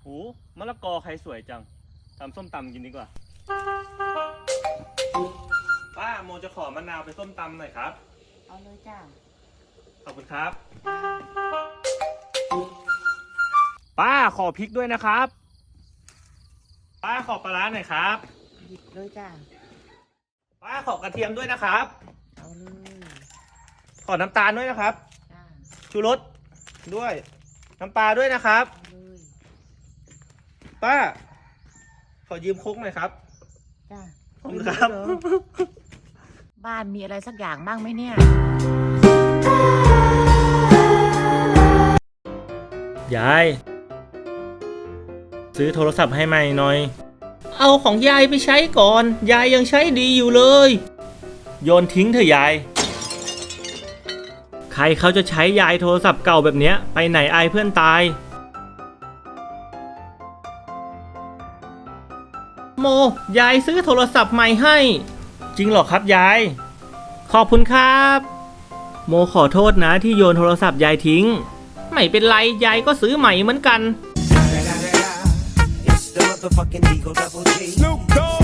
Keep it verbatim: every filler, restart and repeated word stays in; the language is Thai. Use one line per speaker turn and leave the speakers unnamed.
โหมะละกอใครสวยจังทำส้มตำกินดีกว่าป้าโมจะขอมะนาวไปส้มตำหน่อยครับ
เอาเลยจ้า
ขอบคุณครับป้าขอพริกด้วยนะครับป้าขอปลาร้าหน่อยครับ
หยิบเลยจ้า
ป้าขอกระเทียมด้วยนะครับ
เอาเลย
ขอน้ำตาลด้วยนะครับ
จ้า
ชูรสด้วยน้ำปลาด้วยนะครับ
เอาเลย
ป้าขอยืมโค้กหน่อยครับ
จ้า
ขอบคุณครับ
บ้านมีอะไรสักอย่างบ้างไหมเนี่ย
ยายซื้อโทรศัพท์ให้ใหม่หน่อยเอาของยายไปใช้ก่อนยายยังใช้ดีอยู่เลยโยนทิ้งเถอะยายใครเขาจะใช้ยายโทรศัพท์เก่าแบบเนี้ยไปไหนอายเพื่อนตายโมยายซื้อโทรศัพท์ใหม่ให้จริงเหรอครับยายขอบคุณครับโมขอโทษนะที่โยนโทรศัพท์ยายทิ้งไม่เป็นไรยายก็ซื้อใหม่เหมือนกัน
It's the motherfucking Eagle Double G. Snoop Dogg.